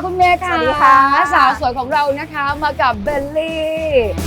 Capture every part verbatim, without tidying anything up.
คุณเมย์ค่ะสวัสดีค่ะสาวสวยของเรานะคะมากับเบลลี่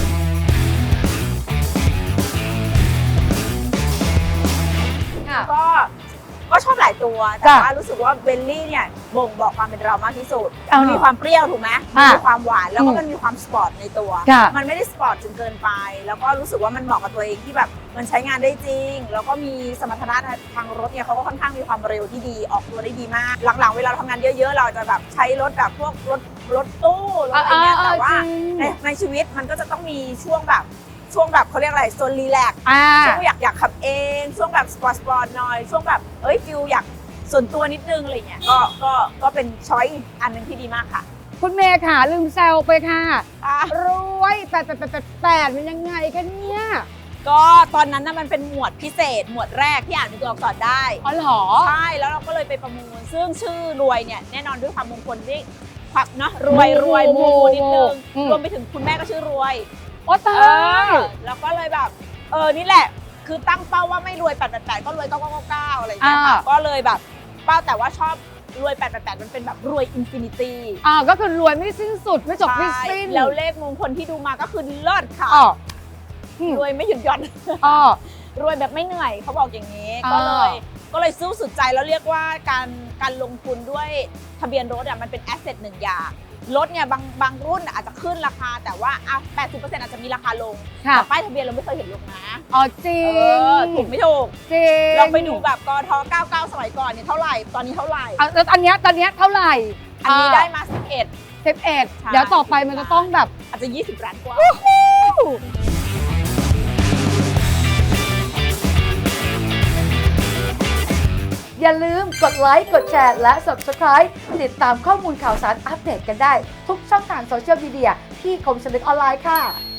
ค่ะก็ก็ชอบหลายตัวแต่จ้ะว่ารู้สึกว่าเบลลี่เนี่ยบ่งบอกความเป็นเรามากที่สุดอ่ามีมีความเปรี้ยวถูกไหมอ่ามีมีความหวานแล้วก็อืมมันมีความสปอร์ตในตัวค่ะมันไม่ได้สปอร์ตจนเกินไป แล้วก็รู้สึกว่ามันเหมาะกับตัวเองที่แบบมันใช้งานได้จริง แล้วก็มีสมรรถนะทางรถเนี่ยเขาก็ค่อนข้างมีความเร็วที่ดีออกตัวได้ดีมาก หลังๆเวลาเราทำงานเยอะๆ เราจะแบบใช้รถแบบพวกรถรถตู้รถอะไรเงี้ยอ่าๆแต่ว่าจริงในในชีวิตมันก็จะต้องมีช่วงแบบช่วงแบบเขาเรียกอะไรโซนรีแลกซ์อ่าช่วงอยากอยากขับเอง ช่วงแบบสปอร์ตสปอร์ตหน่อยช่วงแบบเอ้ยฟิลอยากส่วนตัวนิดนึงอะไรเงี้ยก็ก็ก็เป็นช้อยอันหนึงที่ดีมากค่ะคุณเมย์ค่ะลืมแซวไปค่ะอ่ะรวยแปดแปดแปดแปดแปดมันยังไงคะเนี่ยก็ตอนนั้นน่ะมันเป็นหมวดพิเศษ หมวดแรกที่อ่านเป็นตัวอักษรได้อ๋อเหรอใช่แล้วเราก็เลยไปประมูล ซึ่งชื่อรวยเนี่ยแน่นอนด้วยความมงคลที่ความเนาะรวยรวยมูมูนิดนึงอืมรวมไปถึงคุณแม่ก็ชื่อรวยโอ้ตาเอย อแล้วก็เลยแบบเออนี่แหละคือตั้งเป้าว่าไม่รวยแปดแปดแปดก็รวยเก้าเก้าเก้าอะไรอย่างเงี้ยค่ะอ่าก็เลยแบบเป้าแต่ว่าชอบรวยแปดแปดแปดมันเป็นแบบรวยอินฟินิตี้อ่าก็คือรวยไม่สิ้นสุดไม่จบไม่สิ้นแล้วเลขมงคลที่ดูมาก็คือเลิศค่ะอ๋ออืมรวยไม่หยุดหย่อนอ๋อรวยแบบไม่เหนื่อยเขาบอกอย่างนี้อ่าก็เลยก็เลยสู้สุดใจแล้วเรียกว่าการการลงทุนด้วยทะเบียนรถอ่ะมันเป็นแอสเซทหนึ่งอย่างรถเนี่ยบางบางรุ่นอาจจะขึ้นราคาแต่ว่าอ่ะแปดสิบเปอร์เซ็นต์อาจจะมีราคาลงค่ะแต่ป้ายทะเบียนเราไม่เคยเห็นลงนะอ๋อจริเอง อถูกไม่ถูกจริงเราไปดูแบบกทเก้าสิบเก้าสมัยก่อนเนี่ยเท่าไหร่ตอนนี้เท่าไหร่อ่ะแล้วอันเนี้ยตอนเนี้ยเท่าไหร่อันนี้ได้มาสิบเอ็ดสิบเอ็ดใช่เดี๋ยวต่อไปมันจะต้องแบบอาจจะยี่สิบล้านกว่าอย่าลืมกดไลค์ กดแชร์ และ Subscribe ติดตามข้อมูลข่าวสารอัปเดตกันได้ ทุกช่องทางโซเชียลมีเดียที่คมชนึกออนไลน์ค่ะ